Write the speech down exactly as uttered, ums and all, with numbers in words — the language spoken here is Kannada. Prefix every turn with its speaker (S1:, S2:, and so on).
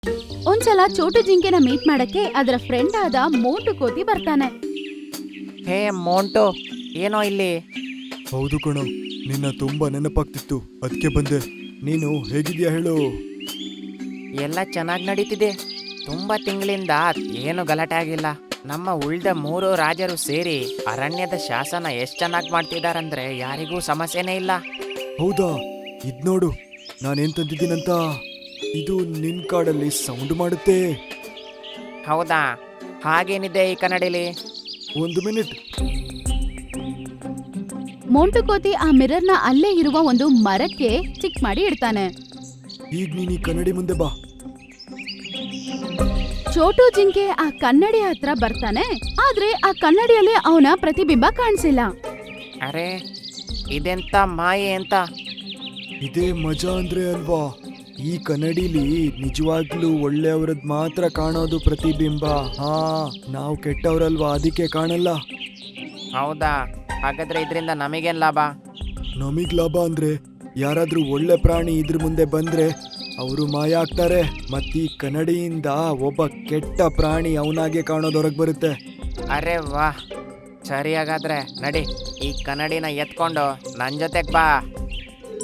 S1: ಒಂದ್ಸಲ ಚೋಟು ಜಿಂಕೆನ ಮೀಟ್ ಮಾಡಕ್ಕೆ ಅದರ ಫ್ರೆಂಡ್ ಆದ ಮೋಟು ಕೋತಿ ಬರ್ತಾನೆ.
S2: ಹೇ ಮೋಂಟು, ಏನೋ ಇಲ್ಲಿ?
S3: ಹೌದು ಕಣೋ, ನಿನ್ನ ತುಂಬಾ ನೆನಪಾಗ್ತಿತ್ತು, ಅದಕ್ಕೆ ಬಂದೆ. ನೀನು ಹೇಗಿದ್ಯಾ ಹೇಳು?
S2: ಎಲ್ಲ ಚೆನ್ನಾಗಿ ನಡೀತಿದೆ. ತುಂಬಾ ತಿಂಗಳಿಂದ ಏನು ಗಲಾಟೆ ಆಗಿಲ್ಲ. ನಮ್ಮ ಉಳ್ದ ಮೂರು ರಾಜರು ಸೇರಿ ಅರಣ್ಯದ ಶಾಸನ ಎಷ್ಟು ಚೆನ್ನಾಗಿ ಮಾಡ್ತಿದಾರಂದ್ರೆ ಯಾರಿಗೂ ಸಮಸ್ಯೆನೇ ಇಲ್ಲ.
S3: ಹೌದಾ? ಇದ್ ನೋಡು, ನಾನೇನ್ ತಂದಿದ್ದೀನಂತ. ಇದು ನಿನ್ ಕಾಡಲ್ಲಿ ಸೌಂಡ್ ಮಾಡುತ್ತೆ.
S2: ಹೌದಾ? ಹಾಗೇನಿದೆ ಈ ಕನ್ನಡಿಲಿ?
S3: ಒಂದು ಮಿನಿಟ್.
S1: ಮೋಂಟು ಕೋತಿ ಆ ಮಿರರ್ನ ಅಲ್ಲೇ ಇರುವ ಒಂದು ಮರಕ್ಕೆ ಚಿಕ್ ಮಾಡಿ ಇಡ್ತಾನೆ.
S3: ಈಗ ನೀನ್ ಈ ಕನ್ನಡಿ ಮುಂದೆ ಬಾ.
S1: ಚೋಟು ಜಿಂಕೆ ಆ ಕನ್ನಡಿ ಹತ್ರ ಬರ್ತಾನೆ. ಆದ್ರೆ ಆ ಕನ್ನಡಿಯಲ್ಲಿ ಅವನ ಪ್ರತಿಬಿಂಬ ಕಾಣಿಸಿಲ್ಲ.
S2: ಅರೆ, ಇದೆಂತ ಮಾಯೆ ಅಂತ?
S3: ಇದೇ ಮಜಾ ಅಂದ್ರೆ ಅಲ್ವಾ? ಈ ಕನ್ನಡಿಲಿ ನಿಜವಾಗ್ಲೂ ಒಳ್ಳೆಯವ್ರದ್ ಮಾತ್ರ ಕಾಣೋದು ಪ್ರತಿಬಿಂಬ. ಹಾ, ನಾವು ಕೆಟ್ಟವ್ರಲ್ವಾ, ಅದಕ್ಕೆ ಕಾಣಲ್ಲ.
S2: ಹೌದಾ? ಹಾಗಾದ್ರೆ ಇದರಿಂದ ನಮಗೇನ್ ಲಾಭ?
S3: ನಮಗ್ ಲಾಭ ಅಂದ್ರೆ ಯಾರಾದ್ರೂ ಒಳ್ಳೆ ಪ್ರಾಣಿ ಇದ್ರ ಮುಂದೆ ಬಂದ್ರೆ ಅವರು ಮಾಯ ಆಗ್ತಾರೆ. ಮತ್ತೀ ಕನ್ನಡಿಯಿಂದ ಒಬ್ಬ ಕೆಟ್ಟ ಪ್ರಾಣಿ ಅವನಾಗೆ ಕಾಣೋದೊರಗ್ ಬರುತ್ತೆ.
S2: ಅರೆ ವಾಹ್, ಸರಿ. ಹಾಗಾದ್ರೆ ನಡಿ, ಈ ಕನ್ನಡಿನ ಎತ್ಕೊಂಡು ನನ್ ಜೊತೆಗ್ ಬಾ.